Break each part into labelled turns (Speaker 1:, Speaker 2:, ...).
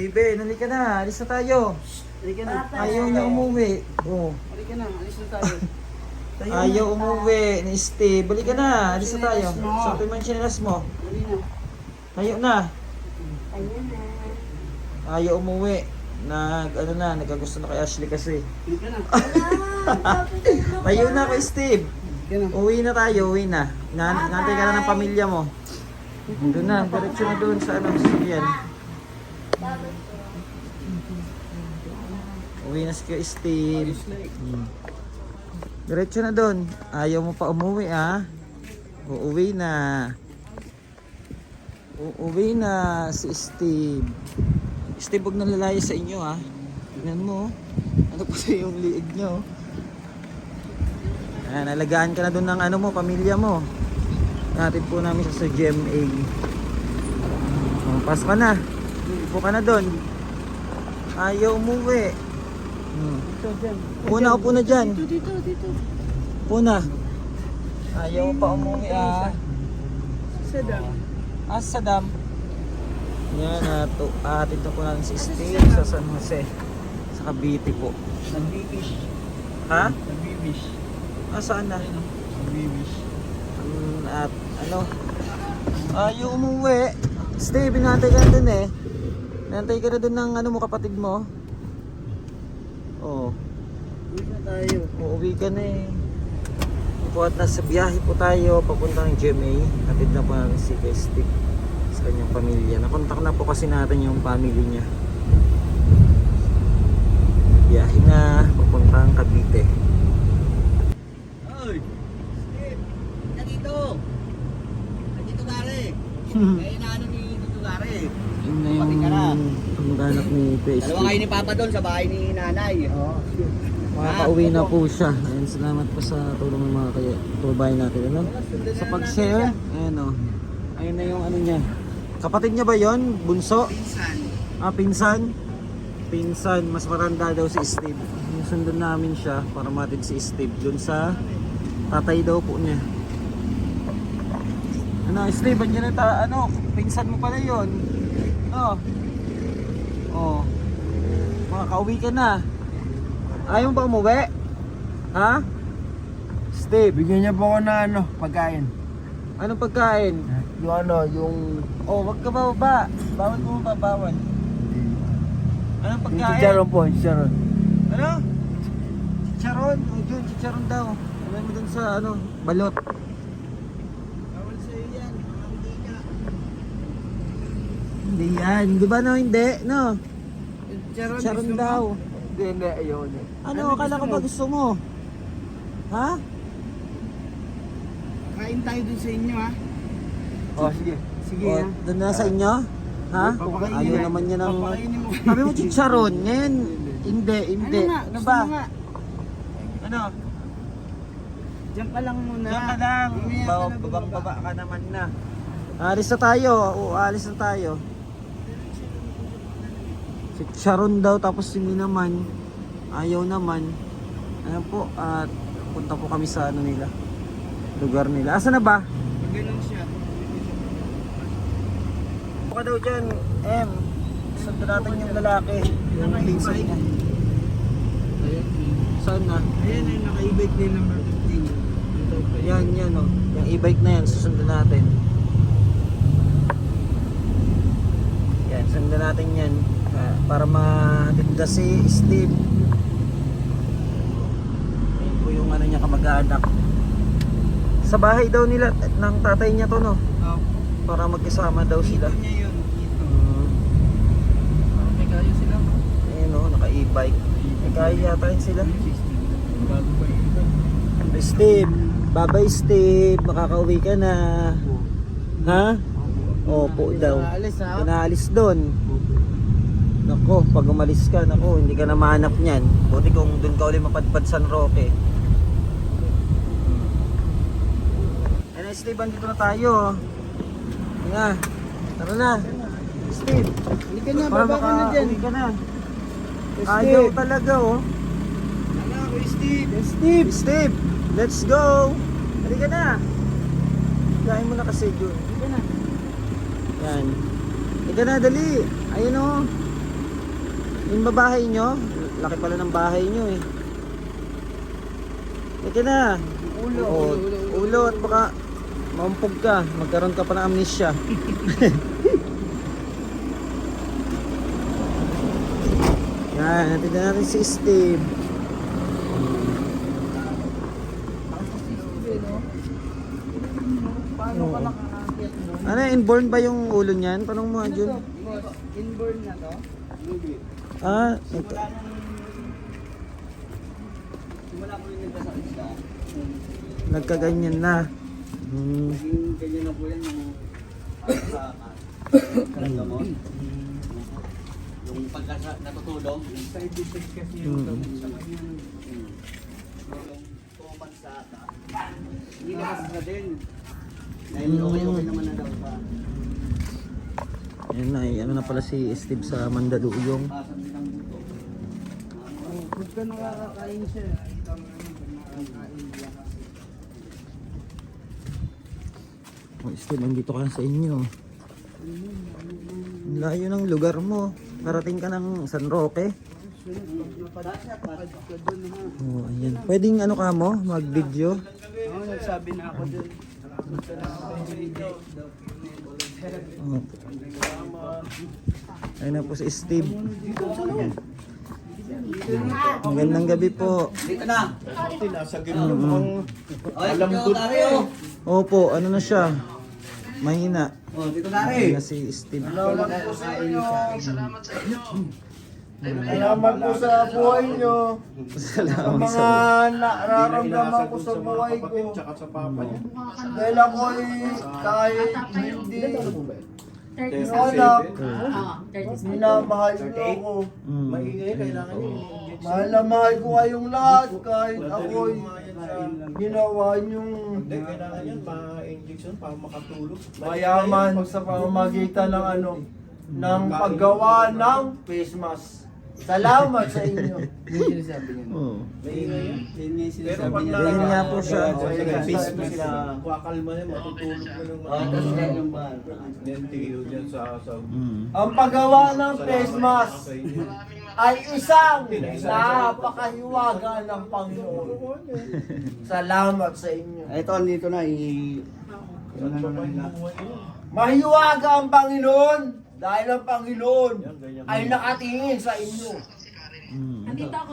Speaker 1: Steven, halika na. Alis na tayo.
Speaker 2: Halika na.
Speaker 1: Ayaw niya umuwi. Oh.
Speaker 2: Halika na, alis na tayo.
Speaker 1: Ayaw umuwi ni Steve. Halika na. Alis na tayo. Sa man chinelas mo.
Speaker 2: Dali na.
Speaker 1: Ayaw na.
Speaker 3: Ayun na.
Speaker 1: Ayaw umuwi. Nagkagusto na kay Ashley kasi.
Speaker 2: Halika na.
Speaker 1: Tayo na kay Steve.
Speaker 2: Halika na.
Speaker 1: Uwi na tayo, uwi na. Nantay ka na ng pamilya mo. Doon na, diretso na doon sa sasakyan. Uwi na si Kuya Steve. Diretso na doon. Ayaw mo pa umuwi Uuwi na. Uuwi na si Steve. Steve, huwag nalalaya sa inyo Tignan mo. Ano pa sa yung liig nyo? Nalagaan ka na doon ng pamilya mo. Natin po namin sa GMA. Pas ka na. Upo ka na doon. Ayaw umuwi.
Speaker 2: Dito, dyan.
Speaker 1: Una, upo na dyan.
Speaker 2: Dito.
Speaker 1: Upo na. Ayaw pa umuwi
Speaker 2: Sadam.
Speaker 1: Sadam. Yan, atin na po natin si Steve sa San Jose. Sa Cavite po.
Speaker 2: Nagbibish.
Speaker 1: Ha?
Speaker 2: Nagbibish.
Speaker 1: Saan na?
Speaker 2: Nagbibish.
Speaker 1: At ayaw umuwi. Steve, binantay ka na dun Nantay ka na dun ng mo, kapatid mo. Oh.
Speaker 2: Uwi na tayo.
Speaker 1: Uuwi ka na Po at nasa biyahe po tayo papuntang GMA. Hatid na po natin si Steve sa kanyang pamilya. Nakontak na po kasi natin yung family niya. Biyahe na papuntang Cavite.
Speaker 2: Oy! Steve! Nandito! Nandito gari! Kaya inaano ni Tito gari.
Speaker 1: Yun na
Speaker 2: Pati ka na.
Speaker 1: yung anak ni Kuya
Speaker 2: Dalawa
Speaker 1: Steve.
Speaker 2: kayo ni Papa doon sa bahay ni nanay. Oo.
Speaker 1: Makakauwi na po siya. Ayan, salamat po sa tulong ng mga kababayan natin. Sa pag-share, ayan ayun na yung niya. Kapatid niya ba yon? Bunso?
Speaker 2: Pinsan.
Speaker 1: Pinsan? Pinsan, mas matanda daw si Steve. Sundan namin siya para matid si Steve dun sa tatay daw po niya. Steve, andyan na pinsan mo pala yun. Makakauwi ka na. Ayaw ba umuwi? Ha? Steve,
Speaker 4: Bigyan niya po ako na pagkain.
Speaker 1: anong pagkain?
Speaker 4: Yung
Speaker 1: Wag ka bababa. Bawal mo babawal. Anong
Speaker 4: yung
Speaker 1: pagkain?
Speaker 4: chicharon po, chicharon.
Speaker 1: Ano? Chicharon? Yun, chicharon daw. Alam mo dun sa balot.
Speaker 2: Bawal sa'yo yan. Hindi ka.
Speaker 1: Hindi yan. Di ba hindi? No?
Speaker 2: Charon,
Speaker 1: Chicharon daw.
Speaker 4: Hindi, ayaw niya.
Speaker 1: Ano, akala ko ba gusto mo? Ha?
Speaker 2: Kain tayo dun sa inyo ha.
Speaker 4: Sige.
Speaker 2: Sige
Speaker 1: O, doon na sa inyo? Ha?
Speaker 2: Papakainin
Speaker 1: Ayaw
Speaker 2: mo.
Speaker 1: naman niya ng...
Speaker 2: Papakainin mo.
Speaker 1: Sabi mo chicharon. Ngayon, hindi.
Speaker 2: Ano
Speaker 1: ba?
Speaker 2: nga?
Speaker 1: Ano?
Speaker 2: Diyan ka lang muna.
Speaker 1: Diyan ka lang.
Speaker 2: Mamaya ka na
Speaker 1: Babang-baba ka naman na. Alis na tayo. Alis na tayo. Si Sharon daw tapos si naman ayaw naman. Ayan po at punta po kami sa nila. Lugar nila. Asa na ba?
Speaker 2: Ganun siya.
Speaker 1: Buka daw dyan. Sundan natin yung lalaki. Yung pinsan niya. Saan na?
Speaker 2: Ayan yung naka-e-bike din number 15.
Speaker 1: Yan. Yung e-bike na yan. Susundan natin. Yan. Sundan natin yan. Para matinda si Steve. Ayun po yung niya kamag-anak. Sa bahay daw nila ng tatay niya to para magkasama daw sila.
Speaker 2: Ito niya yun. Ito.
Speaker 1: Parang
Speaker 2: May kayo sila mo.
Speaker 1: Ayun naka e-bike. May kaya yata yun sila.
Speaker 2: Bago ba yun?
Speaker 1: Steve, bye Steve, makakauwi ka na. Ha? Opo daw.
Speaker 2: Alis ha?
Speaker 1: Pinaalis doon. Nako, pag umalis ka, hindi ka na mahanap niyan. Buti kung doon ka ulit mapadpad San Roque. Steve, andito na tayo. Nga, tara na. Steve,
Speaker 2: Halika na, baba ka na dyan.
Speaker 1: makauwi ka na.
Speaker 2: Steve.
Speaker 1: Ayaw talaga
Speaker 2: Hala, Kuya Steve.
Speaker 1: Steve, let's go. Halika na. Gahin mo na kasi yun.
Speaker 2: Halika na.
Speaker 1: Yan. Halika na, dali. Ayun Yung babahay nyo, laki pala ng bahay nyo eh. Ito na. Ulo at baka maumpog ka. Magkaroon ka pa ng amnesia. Yan, natin na natin si Steve.
Speaker 2: Paano ka nakakakit mo?
Speaker 1: Ano, inborn ba yung ulo niyan? Tanong mo, Jun.
Speaker 2: Inborn na to?
Speaker 1: Ah,
Speaker 2: Simula nung... Simula ko yung nagkasakit siya.
Speaker 1: nagkaganyan na.
Speaker 2: Naging ganyan na po yan yung sa karamdaman. Yung pagka natutulog. Side effect kasi yung sa kanya. Yung 2 months sa ata. Hindi na din. Dahil okay naman na daw pa.
Speaker 1: Yan na, ano na pala si Steve sa Mandaluyong.
Speaker 2: Pasan din ang buto.
Speaker 4: Huwag ka nakakain siya.
Speaker 1: Oh, Steve, nandito ka na sa inyo. Ang layo ng lugar mo. Parating ka ng San Roque. Oh, ayan. Pwedeng ano ka mo, mag-video.
Speaker 4: Oo, nagsabi na ako dun.
Speaker 1: Oh. Ayun na po si Steve. Magandang gabi po.
Speaker 2: Dito na.
Speaker 4: Nasa gilid mo.
Speaker 2: Alam ko tayo.
Speaker 1: Opo, ano na siya? Mahina.
Speaker 2: Oh, dito
Speaker 1: Mahina si Steve.
Speaker 4: Salamat po sa inyo. Salamat po sa buhay nyo. Sa
Speaker 1: Salamat
Speaker 4: mga
Speaker 1: sa
Speaker 4: nararamdaman ko sa buhay ko.
Speaker 5: Tsaka sa papa niya.
Speaker 4: Dahil ako ay kahit hindi anak, minamahal niyo ako.
Speaker 5: Maingay, kailangan niya.
Speaker 4: Mahal na mahal ko kayong lahat kahit ako'y ginawa niyong
Speaker 5: Hindi, kailangan yan, ma-injection para makatulog.
Speaker 4: mayaman sa pamamagitan ng ano, ng paggawa ng face mask. Salamat sa inyo.
Speaker 2: Yung sinasabi niya.
Speaker 1: Oh.
Speaker 5: Maingay yan.
Speaker 2: Yun nga yung
Speaker 5: Pero
Speaker 2: sinasabi
Speaker 5: pag
Speaker 2: niya.
Speaker 1: Yun nga po siya.
Speaker 5: Facebook sila, kuwakalma yan, matutulog mo ng
Speaker 2: Oh, tapos yan yung ba?
Speaker 5: Then tigil dyan sa
Speaker 4: Ang paggawa ng face mask ay isang napakahiwaga ng Panginoon. Salamat sa inyo.
Speaker 2: Ito, andito na.
Speaker 4: Mahiwaga ang Panginoon dahil ang Panginoon ay nakatingin sa inyo.
Speaker 3: Nandito ako.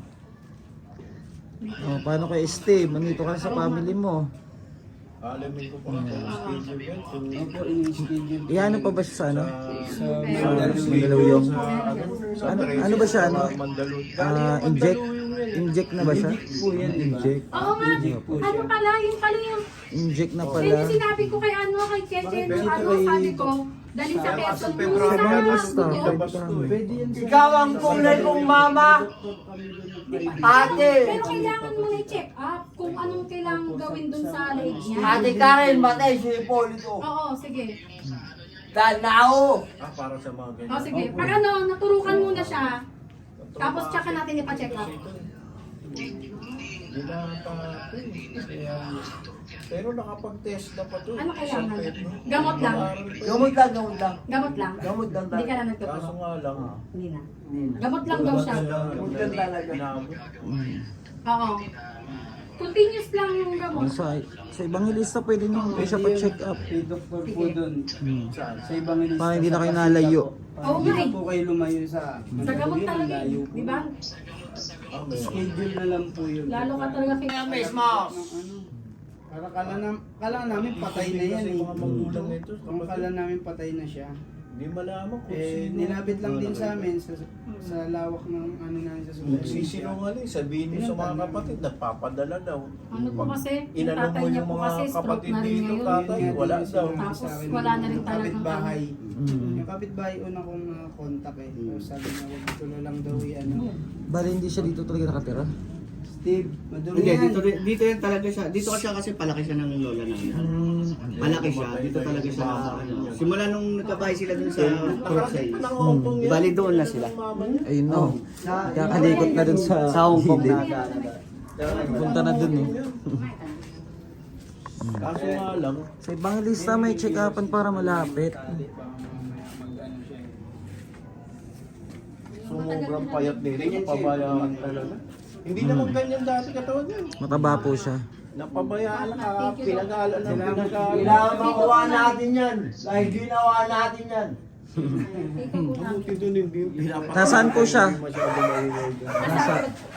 Speaker 1: Oh, paano kay Steve? Nandito ka na sa family mo.
Speaker 5: Alamin ko pa ang schedule yan. Kung
Speaker 2: Opo, in-schedule.
Speaker 1: Iyan pa ba siya sa ano?
Speaker 5: sa
Speaker 1: Mandaluyong. Ano ba siya? Ano?
Speaker 5: Mandaluyong.
Speaker 1: Inject na ba siya? Inject.
Speaker 3: Oo nga. Ano pala? Yung pala yung...
Speaker 1: Inject na
Speaker 3: Yun
Speaker 1: pala.
Speaker 3: yung sinabi ko kay ano, kay Cheche, nung ano, sabi ko, dali sa Quezon mo
Speaker 1: Sa mga
Speaker 3: sa
Speaker 1: lista.
Speaker 3: buto.
Speaker 4: Ikaw ang tunay kong mama, ate.
Speaker 3: Pero kailangan mo na i-check up kung anong kailangan gawin dun sa leg niya.
Speaker 4: Ate Karen, matay si Hipolito.
Speaker 3: Oo, sige.
Speaker 4: Dahil na ako.
Speaker 5: Para sa mga ganyan.
Speaker 3: O sige, pag ano, naturukan muna siya, tapos tsaka natin ipa-check up.
Speaker 5: Hindi na pa. Pero nakapag-test na pa to.
Speaker 3: Ano kailangan? Gamot lang.
Speaker 4: Gamot lang, gamot lang.
Speaker 3: Gamot lang.
Speaker 4: Gamot lang
Speaker 3: Hindi ka na
Speaker 5: Kaso
Speaker 3: nagtuturo.
Speaker 5: nga lang.
Speaker 3: Hindi na. Gamot lang daw siya.
Speaker 4: Gamot lang talaga.
Speaker 3: Oo. Continuous lang yung gamot.
Speaker 1: Sa ibang lista pwede nyo siya pa-check up.
Speaker 2: May doktor po dun. Sa ibang lista.
Speaker 1: Para hindi na kayo nalayo.
Speaker 3: Oo nga eh.
Speaker 2: po kayo lumayo sa...
Speaker 3: Sa gamot talaga eh. Di ba?
Speaker 2: Schedule na lang po yun.
Speaker 3: Lalo ka talaga kay...
Speaker 4: Face mask.
Speaker 2: Para kala namin patay na yan eh.
Speaker 5: Mga magulang nito.
Speaker 2: Kung kala namin patay na siya.
Speaker 5: Hindi malaman kung
Speaker 2: Eh,
Speaker 5: sino.
Speaker 2: nilapit lang din sa amin sa lawak ng ano namin sa
Speaker 5: Kung
Speaker 2: susunod.
Speaker 5: sisinungaling, sabihin mo sa mga kapatid, nagpapadala daw.
Speaker 3: Ano po kasi, yung
Speaker 5: Inano
Speaker 3: tatay
Speaker 5: mo
Speaker 3: niya
Speaker 5: yung
Speaker 3: po
Speaker 5: mga
Speaker 3: kasi stroke
Speaker 5: kapatid
Speaker 3: na rin
Speaker 5: dito,
Speaker 3: ngayon.
Speaker 5: tatay, wala daw.
Speaker 3: Tapos wala na rin talagang
Speaker 2: kapitbahay.
Speaker 1: Mm.
Speaker 2: Yung kapitbahay una kong contact eh. So, sabi niya, wag dito na lang daw ano.
Speaker 1: Bali hindi siya dito talaga nakatira.
Speaker 2: Steve, madumi yan. Dito yan talaga siya. Dito siya kasi palaki siya ng lola namin. Malaki siya. Dito talaga siya. Simula nung nagkabahay sila dun sa Crookside. Bali doon na sila.
Speaker 1: Ayun no. Kakalikot na dun sa
Speaker 2: Sa Hong Kong
Speaker 1: gilid.
Speaker 2: na.
Speaker 1: Punta na dun eh.
Speaker 5: Kaso nga lang,
Speaker 1: Sa ibang lista may check-upan para malapit.
Speaker 5: sobrang payat nila, napabayaan talaga. Hindi naman ganyan dati katawan yan.
Speaker 1: Mataba po siya.
Speaker 5: Napabayaan na, pinag-aalan ng pinag-aalan.
Speaker 4: Kailangan makuha natin yan. Dahil ginawa natin yan.
Speaker 5: Buti doon hindi pinapakain.
Speaker 1: Nasaan po siya?
Speaker 5: Hindi masyado maingay doon.
Speaker 1: Nasa...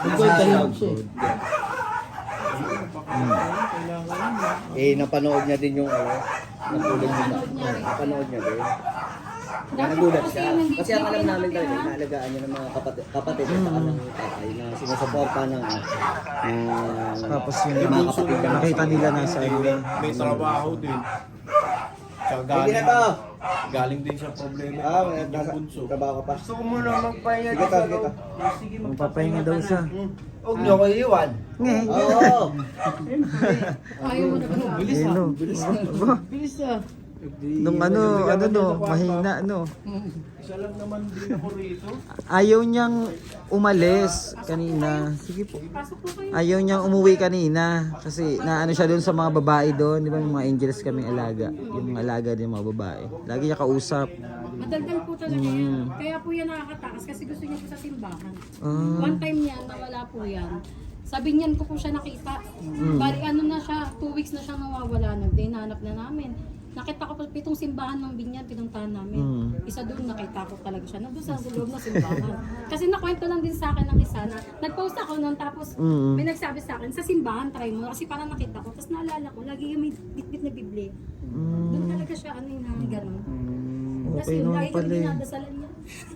Speaker 2: Napanood niya din yung natulog niya. Napanood niya din. Nagulat siya. Kasi ang alam namin talaga, inaalagaan niya ng mga kapatid at saka ng tatay na sinusuporta ng
Speaker 1: Tapos yun,
Speaker 2: mga kapatid niya.
Speaker 1: nakita nila nasa ano.
Speaker 5: May trabaho din. Siya
Speaker 2: Hindi na to!
Speaker 5: galing din siya problema.
Speaker 2: May
Speaker 5: Yung bunso.
Speaker 2: trabaho ka pa.
Speaker 4: Gusto ko muna magpahinga
Speaker 2: Sige
Speaker 4: dito.
Speaker 2: ka, sige ka.
Speaker 1: Magpapahinga daw siya.
Speaker 4: Huwag niyo ko iiwan.
Speaker 2: Oo!
Speaker 3: Ayaw mo na ba sabi?
Speaker 1: Bilis no. Bilis Nung ano no, mahina no.
Speaker 5: Isa lang naman din ako rito.
Speaker 1: Ayaw niyang umalis kanina. Sige po.
Speaker 3: Pasok po kayo.
Speaker 1: Ayaw niyang umuwi kanina kasi naano siya doon sa mga babae doon, di ba yung mga angels kaming alaga, yung alaga din mga babae. Lagi niya kausap.
Speaker 3: Madaldal po talaga yan. Kaya po yan nakakatakas kasi gusto niya po sa simbahan.
Speaker 1: Ah.
Speaker 3: One time niyan, nawala po yan. Sabi niyan ko po siya nakita. Bali ano na siya, 2 weeks na siya nawawala. Nagdinanap na namin. Nakita ko po 7 simbahan ng Binyan, pinuntahan namin. Isa doon nakita ko talaga siya. Nandun sa loob ng simbahan. Kasi nakwento lang din sa akin ng isa na nag-post ako nun tapos may nagsabi sa akin, sa simbahan try mo. Kasi parang nakita ko. Tapos naalala ko, lagi yung may bitbit na Biblia. Doon talaga siya ano yung gano'n. Tapos
Speaker 1: Okay
Speaker 3: yun,
Speaker 1: naman
Speaker 3: lagi kami
Speaker 1: pala eh.
Speaker 3: dinadasalan niya.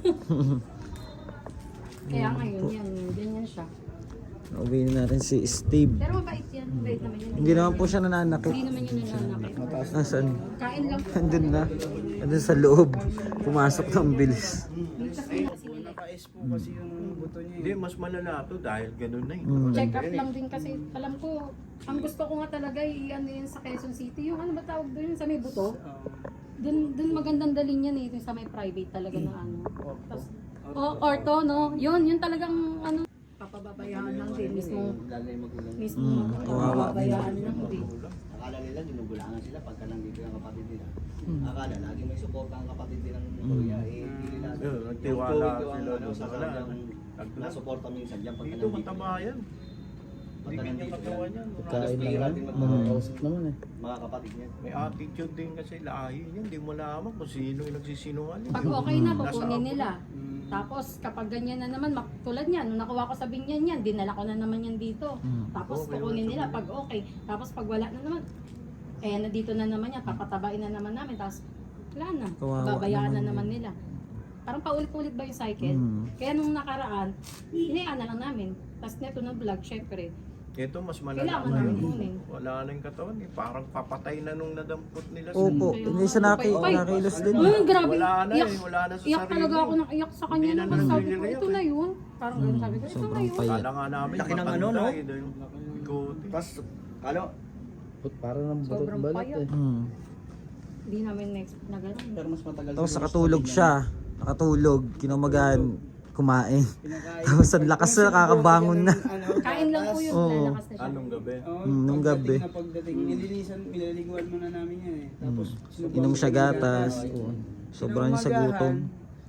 Speaker 3: Kaya ngayon, yan, ganyan siya.
Speaker 1: Nauwi na natin si Steve.
Speaker 3: Pero mabait yan, mabait naman yan.
Speaker 1: Hindi naman po siya nananakit.
Speaker 3: Hindi naman yun nananakit.
Speaker 1: Nasaan?
Speaker 3: Kain lang po.
Speaker 1: Andun na. Andun sa loob. Pumasok ng bilis.
Speaker 3: Mintas nila kasi nila.
Speaker 5: Naka-S po kasi yung buto niya. Hindi, mas malala to dahil ganun na eh.
Speaker 3: Check up lang din kasi alam ko, ang gusto ko nga talaga ano yun sa Quezon City, yung ano ba tawag doon sa may buto. Doon magandang dalhin yan eh, yung sa may private talaga na ano. Tapos, ortho no, yun talagang ano, papababayaan lang din mismo.
Speaker 2: Lalo yung magulang.
Speaker 3: Mismo,
Speaker 1: kawawa
Speaker 3: papabayaan lang din.
Speaker 2: Akala nila ginugulangan sila pagka nandito yung kapatid nila. Akala lagi may suporta ang kapatid nila ng kuya. Hindi nila.
Speaker 5: Nagtiwala sila
Speaker 2: Ano,
Speaker 5: doon
Speaker 2: sa
Speaker 5: sa
Speaker 2: kanyang nasuporta minsan diyan pagka
Speaker 5: Dito mataba yan.
Speaker 2: Pagka
Speaker 5: Hindi
Speaker 2: nandito
Speaker 5: katawan yan.
Speaker 1: Kain
Speaker 2: Bihira
Speaker 1: lang
Speaker 2: din
Speaker 1: yan.
Speaker 2: magkakausap
Speaker 1: naman eh.
Speaker 2: mga kapatid niya.
Speaker 5: May attitude din kasi lahi niya. Hindi mo laman kung sino yung nagsisinungaling.
Speaker 3: Pag okay na, kukunin nila. Tapos kapag ganyan na naman, tulad niyan, nung nakuha ko sa Binyan yan, dinala ko na naman yan dito. Tapos kukunin nila pag okay. Tapos pag wala na naman, nandito na naman yan, papatabain na naman namin. Tapos wala na,
Speaker 1: Kawawa
Speaker 3: babayaan na
Speaker 1: naman
Speaker 3: naman nila. Parang paulit-ulit ba yung cycle? Kaya nung nakaraan, hinayaan na lang namin. Tapos neto ng vlog, syempre,
Speaker 5: Ito mas malala
Speaker 3: kailangan
Speaker 5: na
Speaker 3: namin
Speaker 5: yun.
Speaker 3: kunin.
Speaker 5: Wala na yung katawan eh. Parang papatay na nung nadampot nila.
Speaker 1: Opo, hindi siya nakilos din.
Speaker 3: Ay, grabe.
Speaker 5: Wala na
Speaker 3: Iyak,
Speaker 5: eh. Wala na sa
Speaker 3: iyak
Speaker 5: sarili.
Speaker 3: talaga ako ng iyak sa kanya.
Speaker 5: Hindi na
Speaker 3: Naman sabi ko,
Speaker 5: nagre-react
Speaker 3: ito na yun. Parang ganun sabi ko, ito na
Speaker 1: Sobrang
Speaker 3: yun.
Speaker 1: payat.
Speaker 5: Kala nga namin
Speaker 2: Laki ng
Speaker 5: matanda
Speaker 2: ano, no?
Speaker 5: eh, yung bigote.
Speaker 2: Tapos, kalo,
Speaker 1: Para ng
Speaker 3: Sobrang payat.
Speaker 1: Hmm.
Speaker 3: Hindi namin next na gano'n.
Speaker 2: pero mas matagal.
Speaker 1: Tapos
Speaker 2: siguro
Speaker 1: nakatulog
Speaker 2: sa
Speaker 1: siya. Nakatulog. Kinamagan. Kumain. Tapos ang lakas na nakakabangan na.
Speaker 3: Kain lang po yun,
Speaker 1: Oo.
Speaker 3: lalakas na siya.
Speaker 5: Anong gabi?
Speaker 1: Nung gabi.
Speaker 6: Pagdating, nililiguan muna namin yan eh. Tapos,
Speaker 1: Inom siya gatas. Oo. Sobrang sa gutom.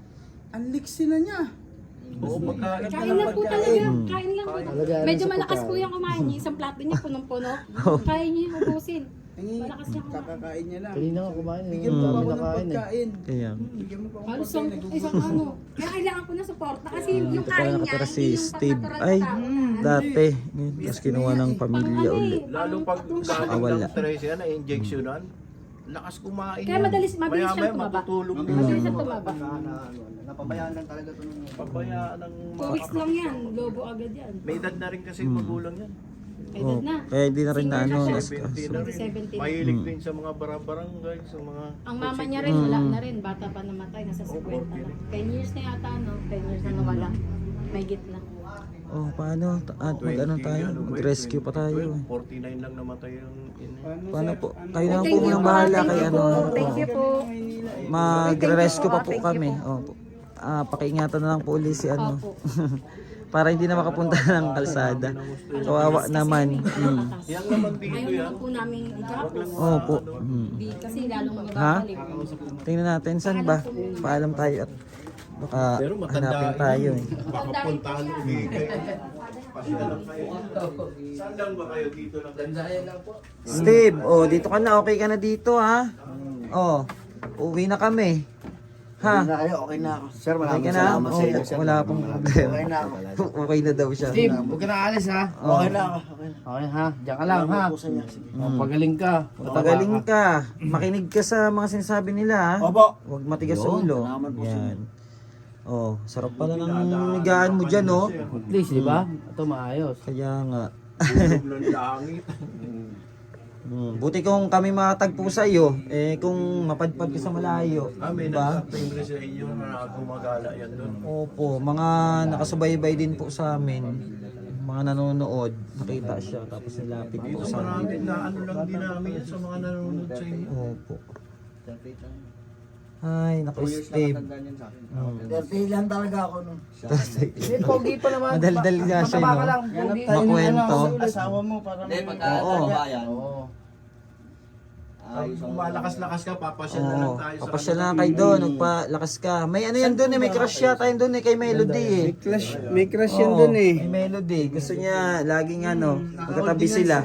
Speaker 6: ang liksi na niya.
Speaker 5: Oo, pagkain.
Speaker 3: Kain lang po talaga. Kain lang po. Medyo malakas po yung kumain niya. Isang plato niya punong-puno. Kaya niya yung ubusin. Malakas niya kumain.
Speaker 6: Kakakain niya lang.
Speaker 1: Kanina nga kumain.
Speaker 6: Bigyan mo pa ako ng pagkain.
Speaker 1: Kaya.
Speaker 6: Bigyan mo pa ako
Speaker 3: Halos
Speaker 6: ng pagkain.
Speaker 3: isang ano. Kaya kailangan ko na suporta. Kasi yung
Speaker 1: Dito
Speaker 3: kain
Speaker 1: pala
Speaker 3: niya,
Speaker 1: nakatira si
Speaker 3: hindi yung
Speaker 1: Steve.
Speaker 3: pag-natural
Speaker 1: Ay,
Speaker 3: na tao.
Speaker 1: dati. Ngayon, tapos kinuha ng pamilya ulit.
Speaker 5: Lalo pag galing
Speaker 1: wala.
Speaker 5: ng stress yan, na-injectionan. Lakas kumain.
Speaker 3: Kaya madalis
Speaker 5: Maya-maya
Speaker 3: siyang tumaba.
Speaker 5: matutulog din.
Speaker 3: Madalis siyang tumaba.
Speaker 2: napabayaan lang talaga ito nung
Speaker 5: Pabayaan ng
Speaker 3: 2 weeks lang yan. Lobo agad yan.
Speaker 5: May edad na rin kasi magulang yan.
Speaker 3: Edad na.
Speaker 1: Kaya hindi na rin na ano.
Speaker 3: Senior na
Speaker 1: nas-
Speaker 3: siya.
Speaker 5: 70 na rin.
Speaker 3: 2017.
Speaker 5: Mahilig din sa mga barangay, sa mga...
Speaker 3: Ang mama niya rin, wala na rin. Bata pa namatay. Nasa 50 na. 10 years na yata, no? 10 years na nawala. May gitna.
Speaker 1: Oh, paano? At mag-ano tayo? Mag-rescue pa tayo.
Speaker 5: 49 lang namatay yung...
Speaker 1: Paano po? Kayo na po munang bahala kay ano.
Speaker 3: Thank you po.
Speaker 1: Magre-rescue pa po kami. Opo. Pakiingatan na lang po ulit si ano.
Speaker 3: Opo.
Speaker 1: Para hindi na makapunta ng kalsada. Kawawa naman.
Speaker 5: Yan naman dito
Speaker 3: Ayaw
Speaker 5: yan.
Speaker 3: naman po namin igapos.
Speaker 1: Opo.
Speaker 3: Di, kasi lalong
Speaker 1: Ha?
Speaker 3: mababalik.
Speaker 1: Tingnan natin saan ba? Paalam tayo at Baka
Speaker 5: Pero matanda
Speaker 1: hanapin tayo eh.
Speaker 5: Baka puntahan ulit kayo. Pasyalan kayo. Saan lang ba kayo dito lang? Dandayan lang po.
Speaker 1: Steve, oh, dito ka na. Okay ka na dito, ha? Oh, uwi na kami. Ha?
Speaker 2: Na kayo, okay na ako. Sir,
Speaker 1: Okay
Speaker 2: maraming
Speaker 1: ka na?
Speaker 2: salamat sa iyo.
Speaker 1: Oh,
Speaker 2: sir.
Speaker 1: wala pong problema.
Speaker 2: Okay na ako.
Speaker 1: Okay na daw siya.
Speaker 6: Huwag ka na alis ha.
Speaker 2: Okay na ako. Okay na.
Speaker 6: Okay ha, diyan ka lang ha.
Speaker 2: Salamat po sa inyo. Sige.
Speaker 6: Pagaling ka.
Speaker 1: Patagaling ka. Makinig ka sa mga sinasabi nila, ha?
Speaker 2: Opo.
Speaker 1: Huwag matigas sa ulo.
Speaker 2: salamat po sa
Speaker 1: Yan. Oh, sarap pala ng higaan mo dyan, oh.
Speaker 6: At least, di ba? Ito maayos.
Speaker 1: Kaya nga.
Speaker 5: Tulog ng langit.
Speaker 1: Buti kung kami matagpo sa iyo, eh kung mapadpad ka sa malayo,
Speaker 5: May
Speaker 1: diba?
Speaker 5: nagsatimbre sa inyo na gumagala yan doon.
Speaker 1: Opo, mga nakasubaybay din po sa amin, mga nanonood, nakita siya tapos nilapit po
Speaker 5: Dito
Speaker 1: sa amin.
Speaker 5: marami na ano lang din namin yan sa mga nanonood sa inyo.
Speaker 1: Opo. Ay, naku Steve.
Speaker 2: 30 lang talaga ako nun.
Speaker 6: Hindi, pogi pa naman.
Speaker 1: Madaldal nga siya,
Speaker 6: Mataba ka
Speaker 1: no?
Speaker 6: lang, pogi.
Speaker 1: Makwento.
Speaker 2: Asawa mo para
Speaker 7: Hindi, pagka
Speaker 1: Oo.
Speaker 7: bayan,
Speaker 6: Oo.
Speaker 5: Kung malakas-lakas ka, papasyal na lang
Speaker 1: Oo,
Speaker 5: tayo sa
Speaker 1: papasya lang kayo doon, magpalakas ka. May ano yan doon eh, may crush yata yun doon eh, kay Melody eh.
Speaker 6: May crush yan
Speaker 1: Oo,
Speaker 6: dun eh.
Speaker 1: May Melody. Gusto niya laging ano, magkatabi sila.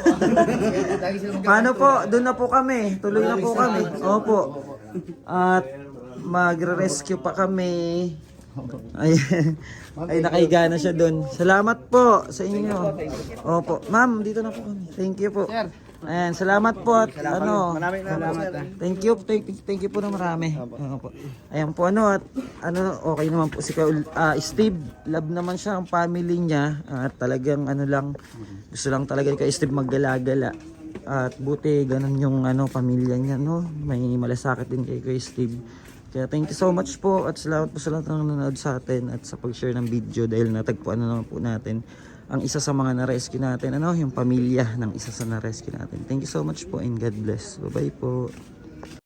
Speaker 1: Paano po? Doon na po kami. Tuloy na po kami. Opo. At magre-rescue pa kami. Ay, ay nakahiga na siya doon. Salamat po sa inyo. Opo. Ma'am, dito na po kami. Thank you po. Ayan, salamat po at ano. Thank you po na marami. Opo. Ayan po at okay naman po si Steve. Love naman siya ang family niya at talagang gusto lang talaga kay Steve maggala-gala. At buti ganun yung pamilya niya, no. May malasakit din kay Steve. Kaya thank you so much po at salamat po sa lahat ng nanonood sa atin at sa pag-share ng video dahil natagpuan na naman po natin ang isa sa mga na-rescue natin, yung pamilya ng isa sa na-rescue natin. Thank you so much po and God bless. Bye-bye po.